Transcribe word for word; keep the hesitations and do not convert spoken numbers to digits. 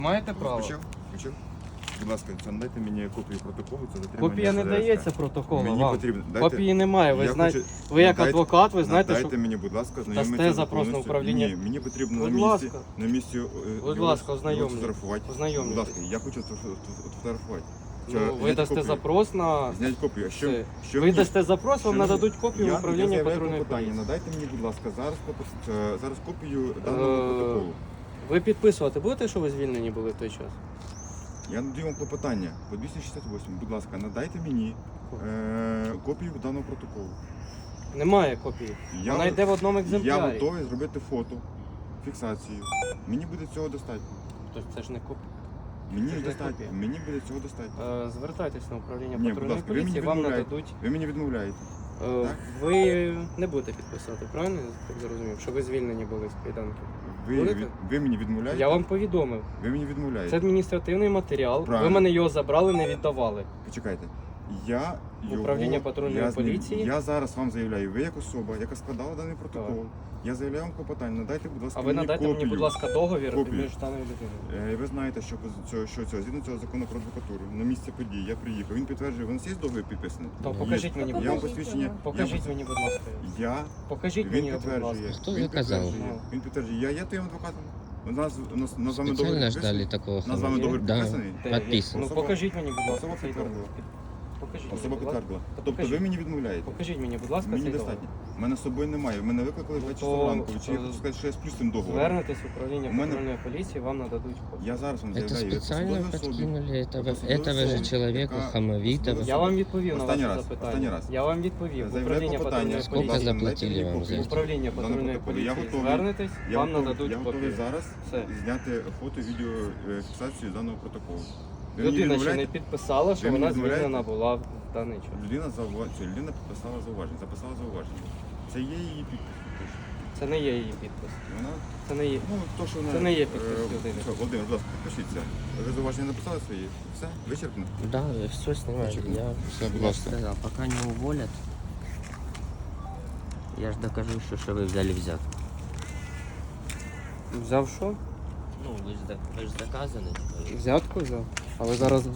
Маєте право. Почав? Почав? Будь ласка, це надайте мені копію протоколу, це затримання. Копія не ЗРС. дається протоколу Мені вам. потрібно. Дайте, Копії немає. Ви Я знаєте, хочу- ви як надайте- адвокат, ви знаєте, Дайте що мені, будь ласка, дасте знайомитися запрос на повністю. управління. Ні, мені потрібно Будь на місці, ласка. на місці е, Будь його- ласка, його ознайомлюсь. сфотографувати. Ознайомлюсь. Будь ласка, я хочу сфо- сфотографувати. ну, Чи ви зняти дасте копію? запрос на Зняти копію. А що, це. що Ви мені- дасте запрос, вам що нададуть мені- копію Я- в я управління заявляю патрульної клопотання. поліції. Надайте мені, будь ласка, зараз, клопот- е, зараз копію даного Е, протоколу. Ви підписувати будете, що ви звільнені були в той час? Я надаю вам клопотання по двісті шістдесят восьмій. Будь ласка, надайте мені е, копію даного протоколу. Немає копії. Я, Вона йде в одному я екземплярі. готовий зробити фото, фіксацію. Мені буде цього достатньо. Тобто це ж не копія. Мені Це ж не достатньо. копія. Мені буде цього достатньо. Е, Звертайтесь на управління Ні, будь патрульної ласка, ви мені поліції, вам відмовляєте. нададуть. Ви мені відмовляєте. Е, Так? Ви не будете підписати, правильно? Я так зрозумів, що ви звільнені були з кайданки. Ви, Будете? від- ви мені відмовляєте? Я вам повідомив. Ви мені Це відмовляєте. адміністративний матеріал. Правильно. Ви мене його забрали, не віддавали. Почекайте. Я його, Управління патрульної я з ним- поліції? Я зараз вам заявляю, ви як особа, яка складала даний протокол. Я заявляю вам клопотання. Надайте, будь ласка, А ви мені надайте копію. мені, будь ласка, договір Копію. між даною людиною. Е, Ви знаєте, що, цього, що цього, згідно цього закону про адвокатуру, на місце події я приїхав. Він підтверджує, у нас є договір підписаний? То Є. покажіть мені, будь Я вам ласка. посвідчення. Покажіть мені, будь ласка. Я, Покажіть він мені, будь ласка. підтверджує. Хто він заказав? підтверджує. Ну. Він підтверджує. Я є твоїм адвокатом. У нас, у нас, у нас з вами договір Специально підписаний? ждали такого У нас з вами Є? договір Да, підписаний? Де він? подписан. Ну Особа- покажіть мені, будь ласка, особа цей підтвердила. договір. Покажіть мені, Особа будь ласка. підтвердила. Та Тобто покажіть. ви мені відмовляєте? Покажіть мені, будь ласка, Мені цей достатньо. договір. У мене з собою немає. Мене викликали в два То, часа ранку. Чи я е, хочу сказати, що я сплю з цим договором? Звернетесь в управління У мене- патрульної поліції, вам нададуть копію. Я зараз вам Это заявляю, як специально посадовій особі. подкинули этого, Посадовой этого же особи, человека, яка- хамовитого. посадовой Я вам відповів на Останній ваше раз, запитання. останній раз. Я вам відповів. В Заявляю управління клопотання. патрульної Скільки поліції. заплатили Дайте мені вам за копію. це? Управління Даного патрульної протоколу. Я поліції. готовий- Звернетесь, Я вам готовий- нададуть Я готовий копію. зараз Все. зняти фото, відео, е, фіксацію даного протоколу. Ви мені Людина ще не відмовляєте? підписала, що Ви мені вона відмовляєте? звільнена була в даний час. Людина заува- ця людина підписала зауваження, записала зауваження. Це є її підпис. Це не є її підпис. Вона, Це не є. ну, то, що вона, Це не є е, підпис людини. що, Володимир, будь ласка, підпишіться. Ви зауваження написали свої? Все? Вичерпно? Да, все снимаю. Почему? Я Все, будь ласка. сказал, пока не уволят, я ж докажу, що, що ви взяли взятку. Взяв що? Ну, ви ж, ви ж заказані. Взятку взяв. Але зараз